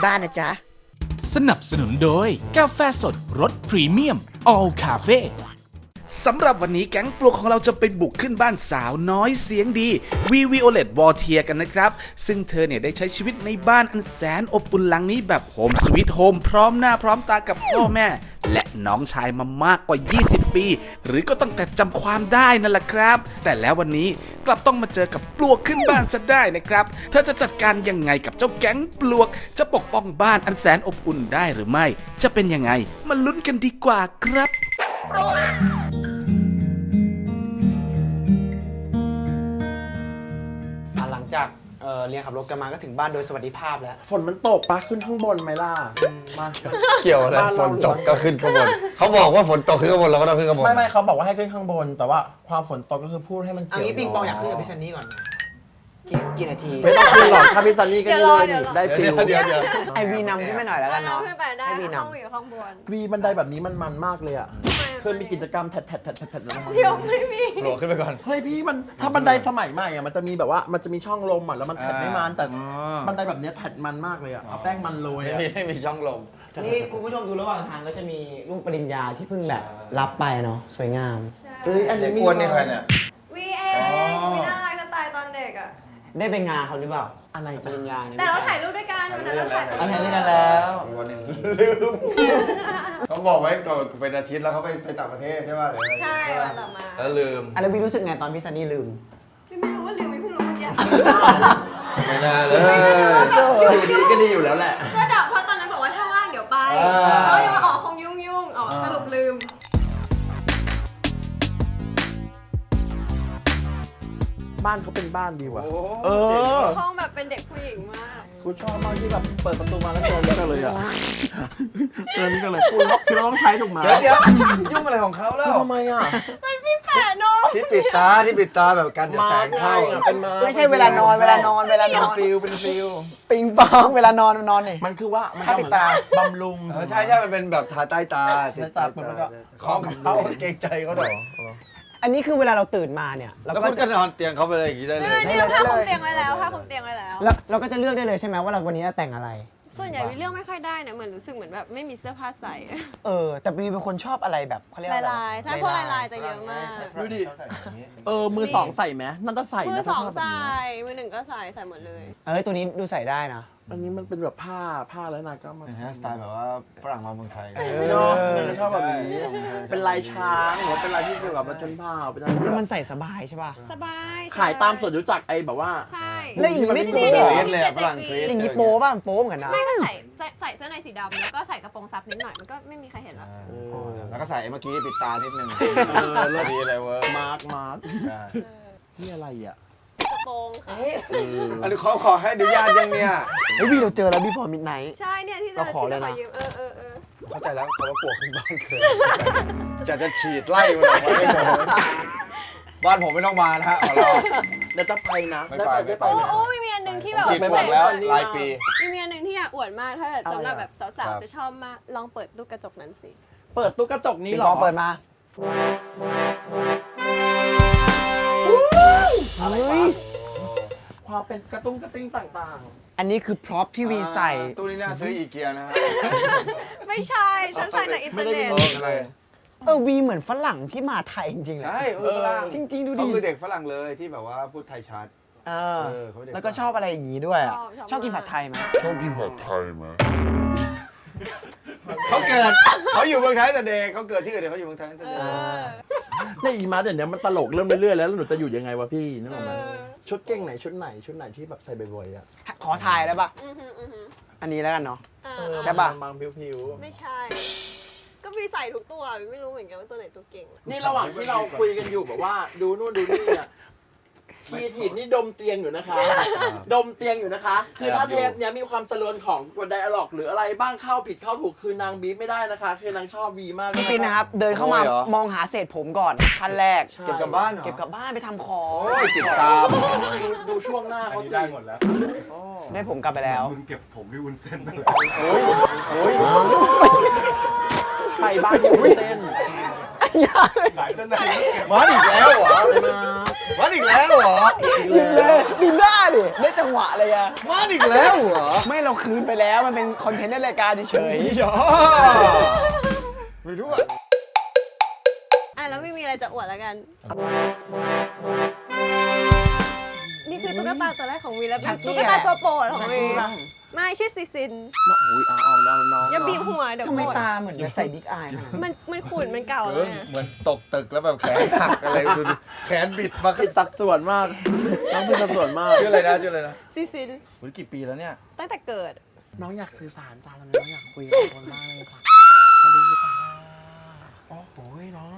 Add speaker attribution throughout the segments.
Speaker 1: บ้านนะจ๊ะ
Speaker 2: สนับสนุนโดยกาแฟสดรสพรีเมียม All Cafe สำหรับวันนี้แก๊งปลวกของเราจะไปบุกขึ้นบ้านสาวน้อยเสียงดีวิโอเลตวอเทียกันนะครับซึ่งเธอเนี่ยได้ใช้ชีวิตในบ้านอันแสนอบอุ่นหลังนี้แบบโฮมสวีทโฮมพร้อมหน้าพร้อมตากับพ่อแม่และน้องชายมามากกว่า20ปีหรือก็ตั้งแต่จำความได้นั่นแหละครับแต่แล้ววันนี้กลับต้องมาเจอกับปลวกขึ้นบ้านซะได้นะครับเธอจะจัดการยังไงกับเจ้าแก๊งปลวกจะปกป้องบ้านอันแสนอบอุ่นได้หรือไม่จะเป็นยังไงมาลุ้นกันดีกว่าครับ
Speaker 3: หลังจากเรียนขับรถกันมาก็ถึงบ้านโดยสวัสดิภาพแล้ว
Speaker 4: ฝนมันตกปะขึ้นข้างบนไหมล่ะมา
Speaker 5: เกี่ยวอะไรฝนตกก็ขึ้นข้างบนเขาบอกว่าฝนตกขึ้นข้างบนเราก็ต้องขึ้นข้างบน
Speaker 4: ไม่เขาบอกว่าให้ขึ้นข้างบนแต่ว่าความฝนตกก็คือพูดให้มัน
Speaker 3: เอางี้ปิงปองอยากขึ้นกับพี่ซันนี่ก่อนกี่นาที
Speaker 4: ไม่ต้องขึ้นหรอกถ้าพี่ซันนี่ก็ยืนได้ฟิล
Speaker 5: เดี๋ยว
Speaker 3: ไอวีนำขึ้นไปหน่อยแล้วกันเนาะ
Speaker 6: ขึ้นไปได้
Speaker 3: ให้วีน
Speaker 6: ห้องอยู่ข้างบน
Speaker 4: วีบันไดแบบนี้มันมากเลยอ่ะเคยมีกิจกรรมแถดลงมา
Speaker 6: เดี๋ยวไม่มี
Speaker 5: โผล่ขึ้นไปก่อน
Speaker 4: เฮ้ยพี่มันถ้าบันไดสมัยใหม่อ่ะมันจะมีแบบว่ามันจะมีช่องลมอ่ะแล้วมันแถดไม่มันแต่บันไดแบบนี้แถดมันมากเลยอ่ะเอาแป้งมันโรยอ่ะ
Speaker 5: ไม่มีช่องลม
Speaker 3: นี่คุณผู้ชมดูระหว่างทางก็จะมีรูปปริญญาที่เพิ่งแบบรับไปเนาะสวยงาม
Speaker 4: เอ้ยอัน
Speaker 5: เด็
Speaker 4: นี้
Speaker 5: กอ้วนนี่ใครเนี่ย
Speaker 6: วีเองวีน่ารักจะตายตอนเด็กอ่ะ
Speaker 3: ได้ไปงานเขาหรือเปล่า
Speaker 4: อะไร
Speaker 3: ปริญญาเนี่ย
Speaker 6: แต่เราถ่ายรูปด้วยกันวันนั้นเราถ่าย
Speaker 3: อันนี้กันแล้ว
Speaker 5: วันนี้ลืมเขาบอกไว้ก่อนเป็นอาทิตย์แล้วเขาไปต่างประเทศใช่ป่ะ
Speaker 6: ใช่วันต่อมา
Speaker 5: แล้วลืม
Speaker 3: แล้ววีรู้สึกไงตอนพี่ซันนี่ลืม
Speaker 6: พี่ไม่รู้ว่าลืมพี่เพิ่งรู้เมื่อกี้
Speaker 5: ไม่น่าเลย
Speaker 4: อยู่ดีก็ดีอยู่แล้วแหละ
Speaker 6: ก็ดับเพราะตอนนั้นบอกว่าถ้าว่างเดี๋ยวไปแล้วเดี๋ยวออกคงยุ่งสรุปลืม
Speaker 4: บ้านเขาเป็นบ้านดีว่ะ
Speaker 5: เออ
Speaker 6: ห้องแบบเป็นเด็กผู้หญิงมาก
Speaker 4: กูชอบมากที่แบบเปิดประตูมาแล้วเจอนี่กันเลยอ่ะเจอนี่กันเลยคือเราต้องใช้ถูกไหม
Speaker 5: เดี๋ยวยุ่งอะไรของเขาแล้ว
Speaker 4: ทำไมอ่ะ
Speaker 6: มันพี่แปะนม
Speaker 5: ที่ปิดตาแบบกันจะแสงเข้า
Speaker 4: เป็นมา
Speaker 3: ไม่ใช่เวลานอน
Speaker 4: เป็นฟิล
Speaker 3: ปิงปองเวลานอนนี่
Speaker 4: มันคือว่ามัน
Speaker 3: ถ้าปิดตา
Speaker 4: บำรุง
Speaker 5: ใช่มันเป็นแบบทาใต้ตา
Speaker 4: ใต้ตาเปิดมันก็
Speaker 5: ของเขาเกรงใจเขาหน่อย
Speaker 3: อันนี้คือเวลาเราตื่นมาเนี่ยเรา
Speaker 5: แล้ว
Speaker 3: ก็
Speaker 5: คุณก็นอนเตียงเขาไปเลยอย่างนี้ได้เลย
Speaker 6: เนี่ยผ้าคลุมเตียงไว้แล้วผ้าคลุมเตียงไว้แล้ว
Speaker 3: แล้วเราก็จะเลือกได้เลยใช่ไหมว่าเราวันนี้จะแต่งอะไร
Speaker 6: ส่วนใหญ่วิเรื่องไม่ค่อยได้นะเหมือนรู้สึกเหมือนแบบไม่มีเสื้อผ้าใส่
Speaker 3: แต่บีเป็นคนชอบอะไรแบบเขาเรียกว่าอะไร
Speaker 6: ลายๆใช่พวกลายๆจะเยอะมาก
Speaker 4: ดูดิมือสองใส่ไหมมันต้องใส่
Speaker 6: มื
Speaker 4: นะ
Speaker 6: อสอง
Speaker 4: ถ้าชบแบบ
Speaker 6: ใส่
Speaker 4: นี้
Speaker 6: มือหนึ่งก็ใส่หมดเลย
Speaker 3: ตัวนี้ดูใส่ได้นะ
Speaker 4: อันนี้มันเป็นแบบผ้าแล้วนายก็มา
Speaker 5: นะฮะสไตล์แบบว่าฝรั่งมาเมืองไทย
Speaker 4: เนาะนายก็ชอบแบบนี้เป็นลายช้างหรือว่าเป็นลายที่แบบมาชนผ้าเป็นอะไร
Speaker 3: แล้ว
Speaker 4: ที่
Speaker 3: มันใส่สบายใช่ป่ะ
Speaker 6: สบาย
Speaker 4: ขายตามสวนรู้จักไอ้แบบว่า
Speaker 6: ใช่
Speaker 3: แล้วอย่างนี้ไม่
Speaker 4: ที่
Speaker 3: โป๊
Speaker 4: มัน
Speaker 3: เหรอ
Speaker 5: เกรี๊ดเลยอะฝรั่งเกรี๊ด
Speaker 3: อย่างนี้โป๊ป่ะมันโป๊เหมือนกันนะ
Speaker 6: ไม่ก็ใส่เสื้อในสีดำแล้วก็ใส่กระโปรงซับนิดหน่อยมันก็ไม่มีใครเห็นแล้ว
Speaker 5: แล้วก็ใส่เมื่อกี้ปิดตานิดนึง
Speaker 4: เลิศ
Speaker 5: ดีเลยเว้ย
Speaker 4: มาร์คนี่อะไรอ่ะ
Speaker 6: กระโปรงค่ะ
Speaker 5: อันนี้เขาขอให้อนุญาตยังเนี่ย
Speaker 3: เฮ้ยวีเราเจอแล้ว Before Midnight
Speaker 6: ใช่เนี่ยที่
Speaker 3: เราขอเลยนะ
Speaker 6: ที่ยืม
Speaker 5: เข้าใจแล้วเขาว่าปลวกขึ้นบ้านเกิดจะฉีดไล่มันออกไปให้หมดบ้านผมไม่ต้องมานะฮะขอร้อง
Speaker 4: เดี๋ยวจะไปนะ
Speaker 5: ไม่ไป
Speaker 4: ได้ไป
Speaker 6: โอ้
Speaker 4: นะ
Speaker 6: โอ้มีอันหนึ่งที่แบบ
Speaker 5: ฉีดปลวกแล้วรายปี
Speaker 6: มีอันหนึ่งที่อยากอวดมากถ้าเกิดสำหรับแบบสาว
Speaker 5: ครับ
Speaker 6: ๆจะชอบมากลองเปิดตู้กระจกนั้นสิ
Speaker 4: เปิดตู้กระจกนี้
Speaker 3: ปิง
Speaker 4: เหร
Speaker 3: ป
Speaker 4: อ
Speaker 3: องเปิดมาเฮ้ย
Speaker 4: ความเป็นกระตุ้งกระติ้งต่าง
Speaker 3: อันนี้คือพร็อพที่วีใส่
Speaker 5: ตู้นี้น่าซื้ออีเกียนะฮะ
Speaker 6: ไม่ใช่ฉันใส่จากอินเทอร์เน็ต
Speaker 5: อะไร
Speaker 3: วีเหมือนฝรั่งที่มาไทยจริงๆเลย
Speaker 5: ใช่ฝรั่ง
Speaker 3: จริงๆดู
Speaker 5: เขา
Speaker 3: ดิ
Speaker 5: คือเด็กฝรั่งเลยที่แบบว่าพูดไทยชัด เขาเด็ก
Speaker 3: แล้วก็ชอบอะไรอย่างนี้ด้วยอะ
Speaker 6: ชอบ
Speaker 3: ชอบกินผัดไทยไหม
Speaker 5: เขาอยู่เมืองไทยแต่เด็กเขาเกิดที่อื่นแต่เขาอยู่เมืองไทยตั้งแต่เด็ก
Speaker 4: ๆในอีมาเดี๋ยวนี้มันตลกเริ่มเรื่อยๆแล้วหนูจะอยู่ยังไงวะพี่นึกออกไหมชุดเก่งไหนชุดไหนที่แบบใส่บ่อยๆอ่ะ
Speaker 3: ขอถ่ายได้ปะ
Speaker 6: อือหือ
Speaker 3: อันนี้แล้วกันเนาะ
Speaker 6: อ่า
Speaker 3: ใช่ปะ
Speaker 4: บางผิว
Speaker 6: ไม่ใช่ ก็วีใส่ทุกตัววีไม่รู้เหมือนกันว่าตัวไหนตัวเก่ง
Speaker 4: ๆนี่ระหว่างที่เราคุยกันอยู่แบบว่าดูนู่นดูนี่เนี่ยคีทีนี่ดมเตียงอยู่นะคะ ดมเตียงอยู่นะคะ คือถ้าเทปเนี้ยมีความสลวนของบนไดอะล็อกหรืออะไรบ้างเข้าผิดเข้าถูกคือนางบีบไม่ได้นะคะ คือนางชอบบีมากเลย
Speaker 3: พี่ปินนะครับ เดินเข้ามามองหาเศษผมก่อนขั้นแรก
Speaker 5: เก็บกลับบ้านเหรอ
Speaker 3: เก็บกลับบ้านไปทำของ
Speaker 5: โอ้ยจิตตาม
Speaker 4: ดูช่วงหน้าเขาสิ
Speaker 7: ได้หมดแล้ว
Speaker 3: ได้ผมกลับไปแล้ว
Speaker 7: มึงเก็บผมพี่วุ้นเส้นนั่นแหละ
Speaker 4: ไปบ้านอยู่เส้น
Speaker 7: สายเส้นในเก็บ
Speaker 5: มันอีกแล้วเหรอ
Speaker 4: มา
Speaker 5: มันอีกแล้วเหรอ
Speaker 3: ดูเลยดูหน้าดิได้จังหวะหวะเลยอะ
Speaker 5: มาอีกแล้วเหรอ
Speaker 3: ไม่เราคืนไปแล้วมันเป็นคอนเทนต์ในรายการเฉย
Speaker 5: ไม่รู้อ่ะ
Speaker 6: อ่ะแล้วไม่มีอะไรจะอวดแล้วกัน นี่คือตุ๊กตาตัวแรกของวีแล้วเป็นตุ๊กตาตัวโปรดของวีไม่ชื่อซิซิน
Speaker 4: อุ้ยเอาน้อง
Speaker 6: อย่าบีบหัวเดี๋ยว
Speaker 3: ทำไม
Speaker 6: โกรธ
Speaker 3: ตาเหมือนจะใส่บิ๊กอายขนาดนั้น
Speaker 6: มันขุ่นมันเก่าแล้วเนี่ย
Speaker 5: เหมือนตกตึกแล้วแบบแขนหักอะไรดูดิแขนบิดมา
Speaker 4: ผิดสัดส่วนมากน้องผิดสัดส่วนมาก
Speaker 5: ชื่ออะไรนะชื่ออะไรนะ
Speaker 6: ซิซิน
Speaker 5: มันกี่ปีแล้วเนี่ย
Speaker 6: ตั้งแต่เกิด
Speaker 4: น้องอยากสื่อสารจ้าแล้วน้องอยากคุยกับคนบ้างเลยจ้าสวัสดีจ้าโอ้โหน้อง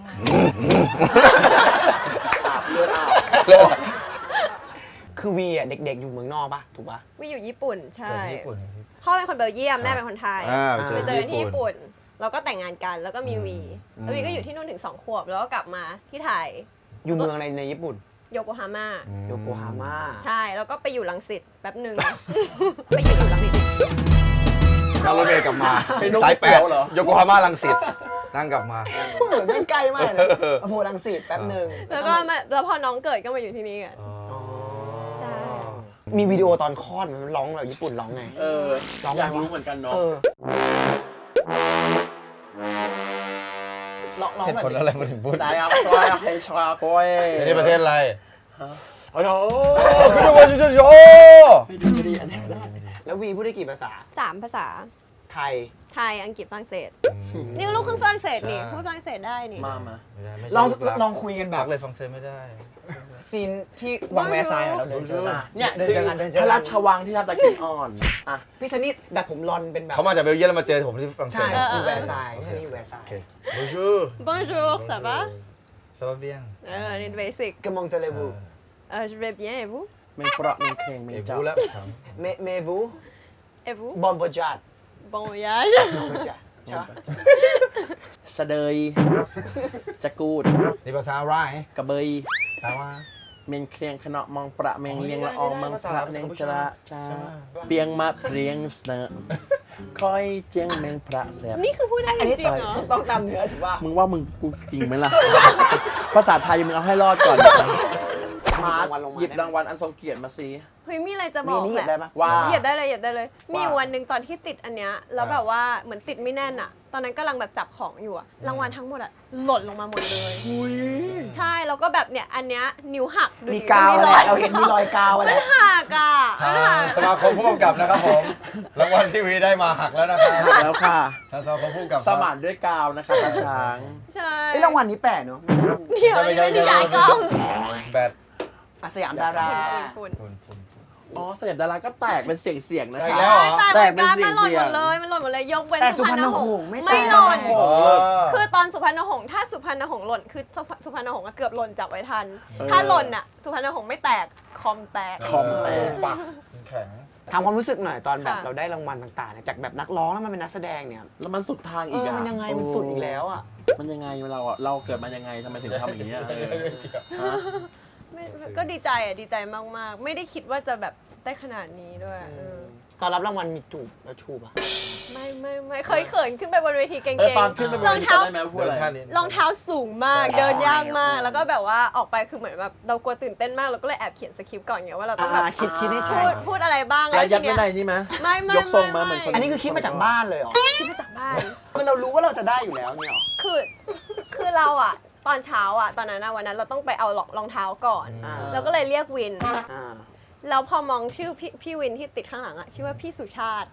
Speaker 4: เลือดอาบ
Speaker 3: คือวีอ่ะเด็กๆอยู่เมืองนอกปะถูกปะ
Speaker 6: วีอยู่ญี่ปุ่นใช่
Speaker 5: เกิดที่ญี่ปุ่น
Speaker 6: พ่อเป็นคนเบลเยียมแม่เป็นคนไทย
Speaker 5: ไปเจ
Speaker 6: ไป
Speaker 5: อ
Speaker 6: เจอกัน
Speaker 5: ที่
Speaker 6: ที่
Speaker 5: ญี่
Speaker 6: ญี่
Speaker 5: ปุ่น
Speaker 6: ปุ่นเราก็แต่งงานกันแล้วก็มีวีแล้ววีก็อยู่ที่นู่นถึง2 ขวบแล้วก็กลับมาที่ไทย
Speaker 3: อยู่เมืองในญี่ปุ่น
Speaker 6: โยโกฮาม่า
Speaker 3: โยโกฮาม่า
Speaker 6: ใช่แล้วก็ไปอยู่รังสิตแป๊บหนึ่ง ไปอยู่รังสิต
Speaker 5: นั่งรถเมล์กลับมา
Speaker 4: เป็นนก
Speaker 5: สายแป
Speaker 4: เขี
Speaker 5: ด
Speaker 4: ยวเหรอ
Speaker 5: โยโกฮาม่ารังสิตนั่งกลับมา
Speaker 3: เหมือนไม่ใกล้มากนะอโพลังสิตแป๊บหนึ่ง
Speaker 6: แล้วก็มาแล้วพอน้องเกิดก็มาอยู่ที่นี่กันใช่
Speaker 3: มีวิดีโอตอนคลอดมันร้องแบบญี่ปุ่นร้องไง ร้องไงวะ
Speaker 4: อยากรู้เหมือนกันเนาะ
Speaker 3: ร้อง
Speaker 5: เหตุ
Speaker 3: แบบ
Speaker 5: ผลอะไรมาถึงพูด
Speaker 4: ได้ครับช่วยให้ช่วยโค้ย
Speaker 5: นี่ประเทศอะไรอ๋อโคือจะว่าจะโย
Speaker 4: ไม่ดีอันนี้
Speaker 3: แล้ววีพูดได้กี่ภาษา
Speaker 6: 3 ภาษา
Speaker 3: ไทย
Speaker 6: ไทยอังกฤษฝรั่งเศสนี่ก็ลูกครึ่งฝรั่งเศสนี่พูดฝรั่งเศสได้นี่
Speaker 4: มา
Speaker 3: ลองคุยกันแบ
Speaker 5: รั
Speaker 3: บ
Speaker 5: กเลยฟังเซไม่ได้
Speaker 3: ซีนที่วังแวร์ไซน์เราเดินเจอกัน
Speaker 4: เนี่ย
Speaker 3: เดินเจอกันเดินเจอ
Speaker 4: พระ
Speaker 3: กั
Speaker 4: ราน ชวังที่ทำตะเกียบอ่อนอ่ะ
Speaker 3: พี่ซันนี่ดัดผมรอนเป็นแบบ
Speaker 5: เขามาจากเบลเยียมแล้วมาเจอผมที่ฝรั่งเศ
Speaker 3: ใช่
Speaker 5: ส
Speaker 3: อยู่แวร์ไซน์พี่ซันนี่อยู่แวร์ไซน์
Speaker 5: Bonjour
Speaker 6: Bonjour ça va
Speaker 5: ça va bien
Speaker 6: นี่เบสิก
Speaker 3: กมองเจเลวู
Speaker 6: je vais bien et vous
Speaker 4: เมงเปราะเมงเครงเมง
Speaker 5: เอ
Speaker 4: เจ้า
Speaker 5: บูแล้ว
Speaker 3: เมวู
Speaker 6: et vous
Speaker 3: บอมโบจัด
Speaker 6: bon voyage
Speaker 3: โบจัดใช่ปะ
Speaker 4: สะเดยจะกูด
Speaker 5: นี่ภาษาอะไร
Speaker 4: กระเบย
Speaker 5: แปลว่า
Speaker 4: เมงเครียงขณะมองประเมงเลียงละอองมังพระเนงจระจ้าเปียงมาเรียงเสนอคอยเจียงเมงพระแสบ
Speaker 6: นี่คือพูดได้
Speaker 3: อัน
Speaker 6: จ
Speaker 3: นี้
Speaker 6: ริงๆเหรอ
Speaker 3: ต้องตามเนื้อถือว่า
Speaker 4: มึงว่ามึงกูจริงไหมล่ะ ภาษาไทยมึงเอาให้รอดก่อนมาหยิบรางวัลอันทรงเกียรติมาสิ
Speaker 6: เฮ้ยมีอะไรจะบอก
Speaker 3: นี่เหยียบ
Speaker 6: แห
Speaker 3: ได้
Speaker 6: ละ
Speaker 3: ปะ
Speaker 4: ว่า
Speaker 6: เหยียบได้เลยเหยียบได้เลย มี
Speaker 4: ว่า
Speaker 6: วันหนึ่งตอนที่ติดอันเนี้ยแล้วแบบว่าเหมือนติดไม่แน่นอะตอนนั้นกำลังแบบจับของอยู่อะรางวัลทั้งหมดอะหล่นลงมาหมดเลยใช่แล้วก็แบบเนี่ยอันเนี้ยนิ้วหักดูดิ
Speaker 3: มีกาว
Speaker 6: มี
Speaker 3: อะไร
Speaker 6: รอย
Speaker 3: เราเห็นมีรอยกาวอะไร
Speaker 6: มันหักอะ
Speaker 5: ทางสมาคมผู้กำกับนะครับผมรางวัลที่วีได้มาหักแล้วนะครับ
Speaker 4: แล้วค่ะ
Speaker 5: ทางสมาคมผู้กำกับ
Speaker 4: สมานด้วยกาวนะคะตาช้าง
Speaker 6: ใช่
Speaker 3: ไอ้รางวัลนี้แปลกเนอะ
Speaker 6: เดี๋ยวนี่ไม่ได้ฉายกล้อง
Speaker 5: แบต
Speaker 3: อาสยามดารา
Speaker 6: ฝุ่น
Speaker 4: อ๋อเสน่ห์ดาราก็แตกเป็นเสียงๆนะ
Speaker 5: ได้
Speaker 4: คะ
Speaker 5: แล้วเหรอ
Speaker 6: แต่เหมือนกัน
Speaker 4: แตกเป็น
Speaker 6: มันหล่น
Speaker 4: เสี่
Speaker 6: ห
Speaker 4: ย
Speaker 6: ม
Speaker 4: ง
Speaker 6: ดเลยมันหล่นหมดเลยยกเว้น
Speaker 3: แต่
Speaker 6: สุพรรณหง
Speaker 3: สุพรรณหง
Speaker 6: ษ์
Speaker 3: ส์ไม่
Speaker 6: ไม่หล่น
Speaker 3: แตก
Speaker 6: คือตอนสุพรรณหงษ์ถ้าสุพรรณหงษ์หล่นคือสุพรรณหงษ์อะเกือบหล่นจับไว้ทัน ถ้าหล่นอะสุพรรณหงษ์ไม่แตกคอมแตก
Speaker 4: คอมแตก
Speaker 5: ปักแข็ง
Speaker 3: ถามความรู้สึกหน่อยตอนแบบ
Speaker 6: ค่ะ
Speaker 3: เราได้รางวัลต่างๆเนี่ยจากแบบนักร้องแล้วมาเป็นนักแสดงเนี่ย
Speaker 4: แล้วมันสุดทางอีก
Speaker 3: เออ
Speaker 4: อ่ะ
Speaker 3: มันยังไงมันสุดอีกแล้วอ่ะ
Speaker 4: มันยังไงเราอ่ะเราเกิดมายังไงทำไมถึงทำอย่างนี้ยฮะ
Speaker 6: ไม่ก็ดีใจอ่ะดีใจมากๆ ไม่ได้คิดว่าจะแบบได้ขนาดนี้ด้วย
Speaker 3: ตอนรับรางวัลมีจูบแล้วชูป่ะ
Speaker 6: ไม่เคยเขินขึ้นไปบนเวทีเก่ง
Speaker 4: ตอนขึ้นไปบน
Speaker 6: รอ
Speaker 4: เว
Speaker 6: ง
Speaker 4: ที
Speaker 6: เท้า
Speaker 4: จำได้ไหมว่าพูด
Speaker 5: เดิน
Speaker 4: อะไร
Speaker 5: ท่านี้
Speaker 6: รองเท้าสูงมากเดินยากมาก แล้วก็แบบว่าออกไปคือเหมือนแบบเรากลัวตื่นเต้นมากเราก็เลยแอบเขียนสคริปต์ก่อนไงว่าเราต้องแบบ
Speaker 3: คิดให้ใช่
Speaker 6: พูดอะไรบ้าง
Speaker 4: แล้วยัด
Speaker 6: ที
Speaker 4: ไว้
Speaker 6: เนี้
Speaker 4: ในนี่ไหม
Speaker 6: ไม่
Speaker 4: ยกทรงมาเหมือนคน
Speaker 3: อันนี้คือคิดมาจากบ้านเลยเหรอ
Speaker 6: คิดมาจากบ้าน
Speaker 3: คือเรารู้ว่าเราจะได้อยู่แล้วเนี่ยเหรอ
Speaker 6: คือเราอ่ะตอนเช้าอ่ะตอนนั้นวันนั้นเราต้องไปเอารองเท้าก่อน เราก็เลยเรียกวิน
Speaker 3: อ่า
Speaker 6: แล้วพอมองชื่อพี่วินที่ติดข้างหลังอ่ะชื่อว่าพี่สุชาติ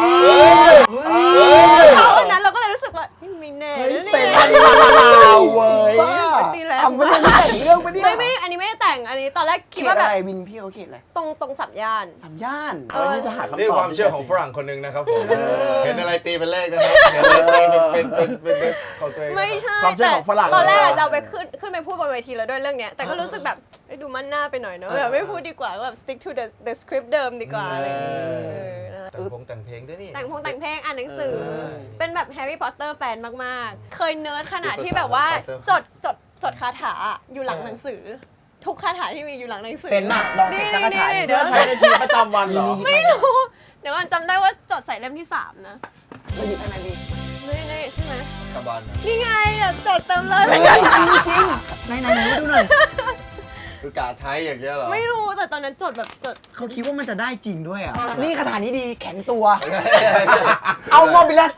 Speaker 6: เขาวันนั้นเราก็เลยรู้สึกว่าไม่แน่
Speaker 4: เฮ้ย
Speaker 6: นะ
Speaker 4: เซ็น
Speaker 6: เนี่ย
Speaker 4: เราเว้ย
Speaker 6: ตีแล้ว
Speaker 3: ทำไม่ได้แต่งเรื่องไปเนี่ย
Speaker 6: ไม่อันนี้ไม่ได้แต่งอันนี้ตอนแรก
Speaker 3: เข
Speaker 6: คิด
Speaker 3: ต
Speaker 6: ว่า
Speaker 3: อะ
Speaker 6: แบบ
Speaker 3: ไรวินพี่เขาเขตอะไร
Speaker 6: ตรงสัมย่าน
Speaker 3: สามย่าน
Speaker 4: เออนี่จะหาคำตอบ
Speaker 5: นี่ความเชื่อของฝรั่งคนหนึ่งนะครับผมเห็นอะไรตีเป็นเลขนะครับเห็นอะไรตีเป็นของตัวเอง
Speaker 6: ไม่ใช่
Speaker 4: ความเชื่อของฝรั่ง
Speaker 6: ตอนแรกอะจะเอาไปขึ้นไปพูดบนเวทีแล้วด้วยเรื่องเนี้ยแต่ก็รู้สึกแบบดูมั่นหน้าไปหน่อยเนอะแบบไม่พูดดีกว่าก็แบบ stick to the script เดิมดีกว่าอะไรอย่างเงี้ย
Speaker 5: แต่งเพลงด้วยนี่
Speaker 6: แต่งเพลงอ่านหนังสือ เป็นแบบแฮร์รี่พอตเตอร์แฟนมากๆ เคยเนิร์ดขนาดที่แบบว่าจดคาถาอยู่หลังหนังสือ ทุกคาถาที่มีอยู่หลังหนังสือ
Speaker 3: เป็นมากลองเสกสังฆทาน
Speaker 6: นี่
Speaker 4: เพื่อใช้ในชีวิตประจำวันเหรอ
Speaker 6: ไม่รู้เดี๋ยวก่อนจำได้ว่าจดใส่เล่มที่ 3 นะ
Speaker 3: เราหยิบอะไรดี
Speaker 6: นี่ใช่ไหม
Speaker 5: กระบาล
Speaker 6: นี่ไงอะจดเต็มเลย
Speaker 3: จริงไหนดูหน่อย
Speaker 5: คือกาใช้อย่างเงี้ยเหรอ
Speaker 6: ไม่รู้แต่ตอนนั้นจดแบบจด
Speaker 3: เขาคิดว่ามันจะได้จริงด้วยอ่ะ นี่คาถานี้ดีแข็งตัว เอาโมบิลัส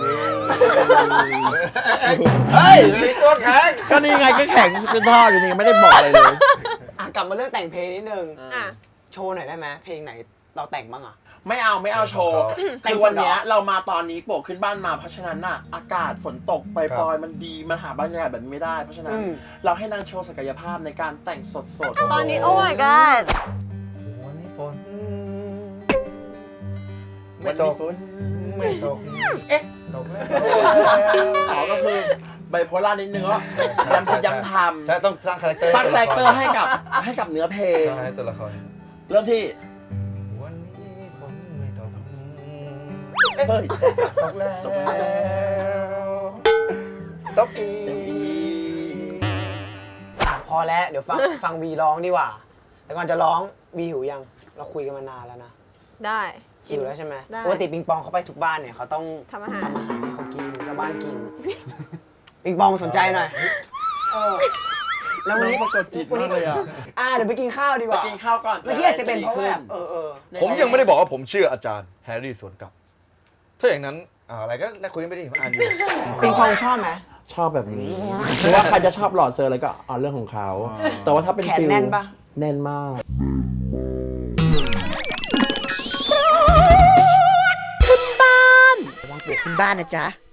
Speaker 5: เฮ้ยมีตัวแข็ง
Speaker 4: ก็นี่ไงก็แข็งเป็นท่ออยู่นี่ไม่ได้บอกอะไรเลย
Speaker 3: อ่ะกลับมาเรื่องแต่งเพลงนิดนึง
Speaker 6: อ่ะ
Speaker 3: โชว์หน่อยได้ไหมเพลงไหนเราแต่งบ้างอ่ะ
Speaker 4: ไม่เอาโชว์
Speaker 3: แต่ง
Speaker 4: คือวันเนี้ย
Speaker 3: สดเหรอ
Speaker 4: เรามาตอนนี้โปกขึ้นบ้านมาเพราะฉะนั้นน่ะอากาศฝนตกปล่อยๆมันดีมันหาบรรยากาศแบบนี้ไม่ได้ เพราะฉะนั้นเราให้นางโชว์ศักยภาพในการแต่งสดๆ
Speaker 6: ตอนนี้โอ้ my god
Speaker 5: วันนี้ฝน
Speaker 4: ไม่ตก
Speaker 5: ไม่ตก
Speaker 4: เอ๊ะ
Speaker 5: ตกแล้ว
Speaker 4: อ๋อก็คือไบโพล่านิดนึงว่าย้ำคิดย้ำท
Speaker 5: ใช่ต้องสร้างคาแรคเตอร์
Speaker 4: ำสร้างคาแรคเตอร์ให้กับเนื้อเพลง
Speaker 5: สร้างให้ตัวละคร
Speaker 4: เริ่มที่
Speaker 5: วันนี้ฝนไม่ตก
Speaker 4: เฮ้ย
Speaker 5: ตกแล้วตกอีก
Speaker 3: อ่ะพอแล้วเดี๋ยวฟังวีร้องดีกว่า แต่ก่อนจะร้องวีหิวยัง เราคุยกันมานานแล้วนะ
Speaker 6: ได้
Speaker 3: หิวแล้วใช่ไหม
Speaker 6: ได้
Speaker 3: ปกติปิงปองเขาไปทุกบ้านเนี่ยเขาต้อง
Speaker 6: ทำอาหาร
Speaker 3: ให้เขากินชาวบ้านกิน ปิงปองสนใจหน่อยแล้ววันนี้
Speaker 4: น้องสะกดจิตมากเลยอ่ะ
Speaker 3: เดี๋ยวไปกินข้าวดีก
Speaker 4: ไป
Speaker 3: ว่า
Speaker 4: กินข้าวก่อน
Speaker 3: เมื่อกี้อาจจะเป็นเพราะแบบ
Speaker 5: ผมยังไม่ได้บอกว่าผมชื่ออาจารย์แฮร์รี่สวนกลับ ถ้าอย่างนั้นอะไรก็ได้คุยกันไปดิผมอ่านอยู่
Speaker 3: ปิงปองชอบไหม
Speaker 4: ชอบแบบนี้คือว่าใครจะชอบหล่อเซอร์อะไรก็เอาเรื่องของเขา แต่ว่าถ้าเป็น
Speaker 3: แขน
Speaker 4: ฟิล
Speaker 3: แน่นปะ
Speaker 4: แน่นมาก
Speaker 3: วางปลูกขึ้นบ้านนะจ๊ะ